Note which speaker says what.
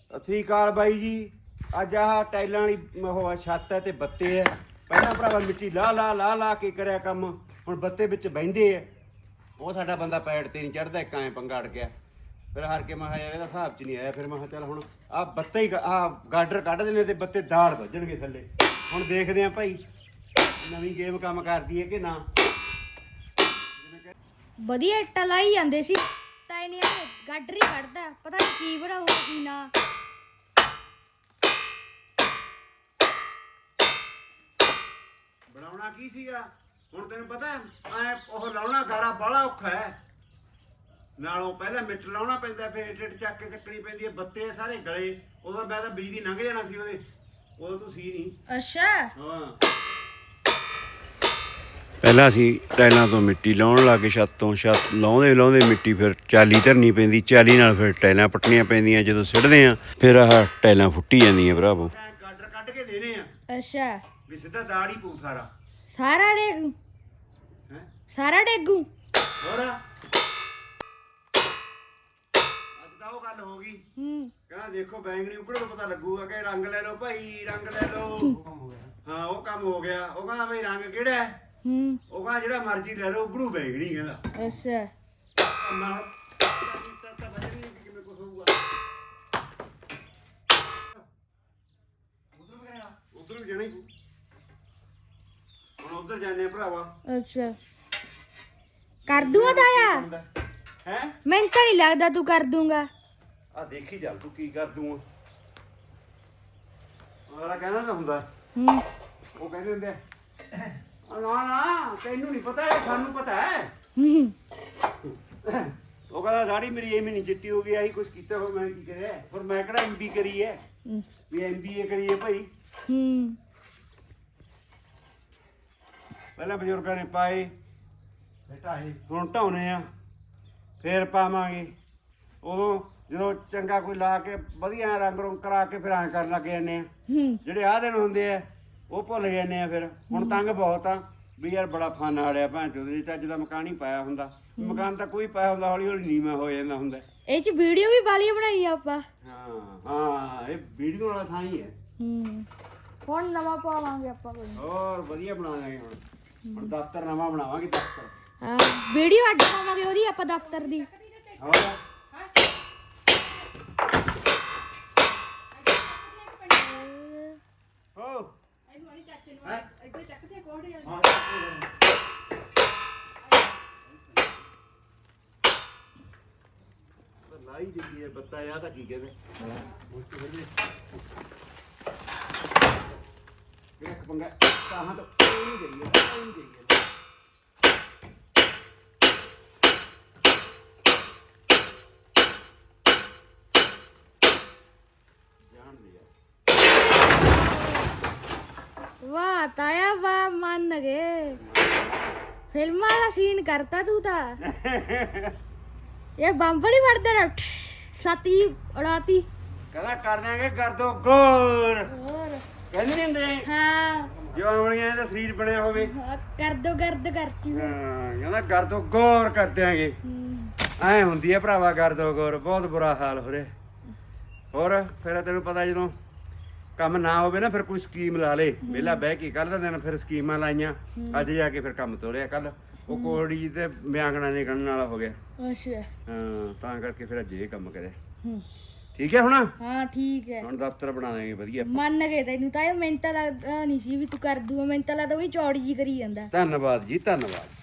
Speaker 1: ਸਤਿ ਸ੍ਰੀ ਅਕਾਲ ਬਾਈ ਜੀ। ਅੱਜ ਆਹ ਟਾਈਲਾਂ ਵਾਲੀ ਉਹ ਛੱਤ ਹੈ ਤੇ ਬੱਤੇ ਹੈ। ਪਹਿਲਾਂ ਭਰਾਵਾ ਮਿੱਟੀ ਲਾ ਕੇ ਕਰਿਆ ਕੰਮ, ਹੁਣ ਬੱਤੇ ਵਿੱਚ ਬਹਿੰਦੇ ਆ। ਉਹ ਸਾਡਾ ਬੰਦਾ ਪੈੜ ਤੇ ਨਹੀਂ ਚੜਦਾ, ਇੱਕ ਐਂ ਪੰਗਾ ਅੜ ਗਿਆ। ਫਿਰ ਹਾਰ ਕੇ ਮੈਂ ਕਿਹਾ ਯਾਰ ਇਹਦਾ ਹਿਸਾਬ 'ਚ ਨਹੀਂ ਆਇਆ। ਫਿਰ ਮੈਂ ਕਿਹਾ ਚੱਲ ਹੁਣ ਆਹ ਬੱਤੇ ਹੀ ਗਾਡਰ ਕੱਢ ਦੇਣੇ ਤੇ ਬੱਤੇ ਦਾੜ ਵੱਜਣਗੇ ਥੱਲੇ। ਹੁਣ ਦੇਖਦੇ ਆ ਭਾਈ ਨਵੀਂ ਗੇਮ ਕੰਮ ਕਰਦੀ ਹੈ ਕਿ ਨਾ।
Speaker 2: ਵਧੀਆ ਇੱਟਾਂ ਲਾਈ ਜਾਂਦੇ ਸੀ ਤਾਂ ਇਹਨੇ ਗਾਡਰ ਹੀ ਕੱਢਦਾ, ਪਤਾ ਨਹੀਂ ਕੀ ਬਣਾਊਗਾ ਕੀ ਨਾ।
Speaker 1: ਬਣਾਉਣਾ ਕੀ ਸੀਗਾ ਹੁਣ ਤੈਨੂੰ ਪਤਾ ਐ ਉਹ ਲਾਉਣਾ ਗਾਰਾ ਬਾਹਲਾ ਔਖਾ ਹੈ। ਨਾਲੋਂ ਪਹਿਲਾਂ ਮਿੱਟ ਲਾਉਣਾ ਪੈਂਦਾ, ਫਿਰ ਇੱਟ ਚੱਕ ਕੇ ਚੱਕਣੀ ਪੈਂਦੀ ਹੈ। ਬੱਤੇ ਸਾਰੇ ਗਲੇ, ਉਦੋਂ ਮੈਂ ਤਾਂ ਬਿਜਲੀ ਲੰਘ ਜਾਣਾ ਸੀ ਉਹਦੇ, ਉਦੋਂ ਤੂੰ ਸੀ ਨਹੀਂ।
Speaker 2: ਅੱਛਾ
Speaker 1: ਹਾਂ ਪਹਿਲਾਂ ਅਸੀਂ ਟਾਈਲਾਂ ਤੋਂ ਮਿੱਟੀ ਲਾਉਣ ਲੱਗੇ, ਛੱਤ ਤੋਂ ਛੱਤ ਲਾਉਂਦੇ ਮਿੱਟੀ ਫਿਰ ਚਾਲੀ ਧਰਨੀ ਪੈਂਦੀ, ਚਾਲੀ ਨਾਲ ਫਿਰ ਟਾਈਲਾਂ ਪੱਟਣੀਆਂ ਪੈਂਦੀਆਂ। ਜਦੋਂ ਸਿੱਟਦੇ ਆ ਫਿਰ ਆਹ ਟਾਈਲਾਂ ਫੁੱਟੀ ਜਾਂਦੀਆਂ ਭਰਾਵੋ। ਗਾਡਰ ਕੱਢ ਕੇ ਦੇਣੇ ਆ।
Speaker 2: ਅੱਛਾ
Speaker 1: ਵੀ ਸਿੱਧਾ ਦਾੜ ਹੀ ਪਊ ਸਾਰਾ
Speaker 2: ਡੇਗੂ
Speaker 1: ਹੈ
Speaker 2: ਸਾਰਾ ਡੇਗੂ।
Speaker 1: ਹੋਰ ਅੱਜ ਤਾਂ ਉਹ ਗੱਲ ਹੋ ਗਈ। ਕਹਿੰਦਾ ਦੇਖੋ ਬੈਂਗਣੀ ਉਕੜੋ ਪਤਾ ਲੱਗੂਗਾ ਕਿ ਰੰਗ ਲੈ ਲਓ ਭਾਈ, ਰੰਗ ਲੈ ਲਓ। ਹਾਂ ਉਹ ਕੰਮ ਹੋ ਗਿਆ। ਉਹ ਕਹਿੰਦਾ ਬਈ ਰੰਗ ਕਿਹੜਾ ਹੈ? ਉਹ ਕਹਿੰਦਾ ਜਿਹੜਾ ਮਰਜ਼ੀ ਲੈ ਲਓ, ਉਕੜੂ ਬੈਂਗਣੀ ਕਹਿੰਦਾ।
Speaker 2: ਅੱਛਾ
Speaker 1: ਕਿਵੇਂ ਕੁਛ ਹੋਊਗਾ। ਉਧਰ ਵੀ ਜਾਣਾ ਹੀ ਹੁਣ, ਉਧਰ ਜਾਂਦੇ ਆ ਭਰਾਵਾ।
Speaker 2: ਅੱਛਾ ਕਰ ਦੂੰਗਾ ਤਾਇਆ।
Speaker 1: ਹੈ
Speaker 2: ਮੈਨੂੰ ਤਾਂ ਨਹੀਂ ਲੱਗਦਾ ਤੂੰ ਕਰ ਦੂੰਗਾ।
Speaker 1: ਆ ਦੇਖੀ ਚੱਲ ਤੂੰ ਕੀ ਕਰ ਦੂੰ। ਅਗਲਾ ਕਹਿੰਦਾ ਤਾਂ ਹੁੰਦਾ, ਉਹ ਕਹਿੰਦੇ ਹੁੰਦੇ ਨਾ ਤੈਨੂੰ ਨਹੀਂ ਪਤਾ, ਇਹ ਸਾਨੂੰ ਪਤਾ ਹੈ। ਉਹ ਕਹਿੰਦਾ ਦਾੜੀ ਮੇਰੀ ਐਵੇਂ ਨਹੀਂ ਚਿੱਟੀ ਹੋ ਗਈ, ਆਹੀ ਕੁਛ ਕੀਤਾ ਹੋ ਮੈਂ ਕੀ ਕਰਿਆ। ਪਰ ਮੈਂ ਕਿਹੜਾ MB ਕਰੀ ਹੈ ਵੀ MBA ਕਰੀਏ ਭਾਈ। ਪਹਿਲਾਂ ਬਜ਼ੁਰਗਾਂ ਨੇ ਪਾਏ ਢਾਏ, ਹੁਣ ਢਾਉਣੇ ਆ ਫੇਰ ਪਾਵਾਂਗੇ। ਉਦੋਂ ਜਦੋਂ ਚੰਗਾ ਕੋਈ ਲਾ ਕੇ ਵਧੀਆ ਰੰਗ ਰੁੰਗ ਕਰਾ ਕੇ ਫਿਰ ਐਂ ਕਰਨ ਲੱਗ ਜਾਂਦੇ ਆ। ਜਿਹੜੇ ਆਹ ਦਿਨ ਹੁੰਦੇ ਆ ਉਹ ਭੁੱਲ ਜਾਂਦੇ ਆ। ਫਿਰ ਹੁਣ ਤੰਗ ਬਹੁਤ ਆ ਵੀ ਯਾਰ ਬੜਾ ਫਨ ਆੜਿਆ ਭੈਣ ਚੋਦ ਜੀ। ਚੱਜ ਦਾ ਮਕਾਨ ਹੀ ਪਾਇਆ ਹੁੰਦਾ, ਮਕਾਨ ਤਾਂ ਕੋਈ ਪਾਇਆ ਹੁੰਦਾ ਹੌਲੀ ਹੌਲੀ ਨੀਵਾਂ ਹੋ ਜਾਂਦਾ ਹੁੰਦਾ।
Speaker 2: ਇਹ ਚ ਵੀਡੀਓ ਵੀ ਬਾਲੀ ਬਣਾਈ ਆ ਆਪਾਂ।
Speaker 1: ਹਾਂ ਇਹ ਵੀਡੀਓ ਵਾਲਾ ਥਾਂ ਹੀ ਹੈ।
Speaker 2: ਹੁਣ ਨਵਾਂ ਪਾਵਾਂਗੇ ਆਪਾਂ ਕੋਈ।
Speaker 1: ਹੋਰ ਵਧੀਆ ਬਣਾ ਲਾਂਗੇ ਹੁਣ ਦਫ਼ਤਰ ਨਵਾਂ ਬਣਾਵਾਂਗੇ ਦਫ਼ਤਰ।
Speaker 2: ਹਾਂ ਵੀਡੀਓ ਅੱਡ ਪਾਵਾਂਗੇ ਉਹਦੀ ਆਪਾਂ ਦਫ਼ਤਰ ਦੀ।
Speaker 1: ਹੋਰ ਲਾਈ ਦਿੱਤੀ ਹੈ ਬੱਤਾ ਆ ਤਾਂ ਕੀ ਕਹਿੰਦੇ ਇੱਕ ਪੰਗਾ ਤਾਂ ਤਾਂ ਇਹ ਨਹੀਂ ਗਈ ਹੈ, ਇਹ ਨਹੀਂ ਗਈ ਹੈ। ਜਾਣ ਦੇ ਯਾਰ।
Speaker 2: ਵਾਹ ਤਾਇਆ ਵਾਹ, ਮੰਨ ਗਏ। ਫਿਲਮਾਂ ਵਾਲਾ ਸੀਨ ਕਰਤਾ ਤੂੰ ਤਾਂ। ਇਹ ਬੰਬ ਨਹੀਂ ਵੜਦੇ ਨਾ ਛਾਤੀ ਉਡਾਤੀ।
Speaker 1: ਕਹਿੰਦਾ ਕਰਨਾਂਗੇ ਕਰ ਦੋ ਗੌਰ,
Speaker 2: ਹੋਰ
Speaker 1: ਕਹਿੰਦੇ ਨਹੀਂ ਹੁੰਦੇ
Speaker 2: ਹਾਂ
Speaker 1: ਜਵਾਨੀਆਂ ਦਾ ਸਰੀਰ ਬਣਿਆ ਹੋਵੇ।
Speaker 2: ਕਰ ਦੋ ਗਰਦ ਕਰਤੀ।
Speaker 1: ਕਹਿੰਦਾ ਕਰ ਦੋ ਗੌਰ ਕਰ ਦਿਆਂਗੇ। ਐ ਹੁੰਦੀ ਹੈ ਭਰਾਵਾ ਕਰ ਦੋ ਗੌਰ, ਬਹੁਤ ਬੁਰਾ ਹਾਲ ਹੋ ਰਿਹਾ। ਹੋਰ ਫਿਰ ਤੈਨੂੰ ਪਤਾ ਜਦੋਂ ਕੰਮ ਨਾ ਹੋਵੇ ਨਾ ਫਿਰ ਕੋਈ ਸਕੀਮ ਲਾ ਲੇ। ਵਿਹਲਾ ਬਹਿ ਕੇ ਕੱਲ ਦਾ ਦਿਨ ਫਿਰ ਸਕੀਮਾਂ ਲਾਈਆਂ, ਅੱਜ ਜਾ ਕੇ ਫਿਰ ਕੰਮ ਤੋਰਿਆ। ਕੱਲ ਉਹ ਕੋੜੀ ਤੇ ਮਿਆਂਗਣਾ ਨੇ ਗਣਨ ਵਾਲਾ ਹੋ ਗਿਆ।
Speaker 2: ਅੱਛਾ
Speaker 1: ਹਾਂ ਤਾਂ ਕਰਕੇ ਫਿਰ ਅੱਜ ਇਹ ਕੰਮ ਕਰਿਆ। ਠੀਕ ਹੈ ਹੁਣ।
Speaker 2: ਹਾਂ ਠੀਕ ਹੈ
Speaker 1: ਹੁਣ ਦਫ਼ਤਰ ਬਣਾ ਦਾਂਗੇ ਵਧੀਆ।
Speaker 2: ਮੰਨ ਗਏ ਤੈਨੂੰ ਤਾਂ। ਇਹ ਮੈਨੂੰ ਤਾਂ ਲੱਗਦਾ ਨਹੀਂ ਸੀ ਵੀ ਤੂੰ ਕਰ ਦੂਗਾ। ਮੈਨੂੰ ਤਾਂ ਲੱਗਦਾ ਵੀ ਚੌੜੀ ਜੀ ਕਰੀ ਜਾਂਦਾ।
Speaker 1: ਧੰਨਵਾਦ ਜੀ ਧੰਨਵਾਦ।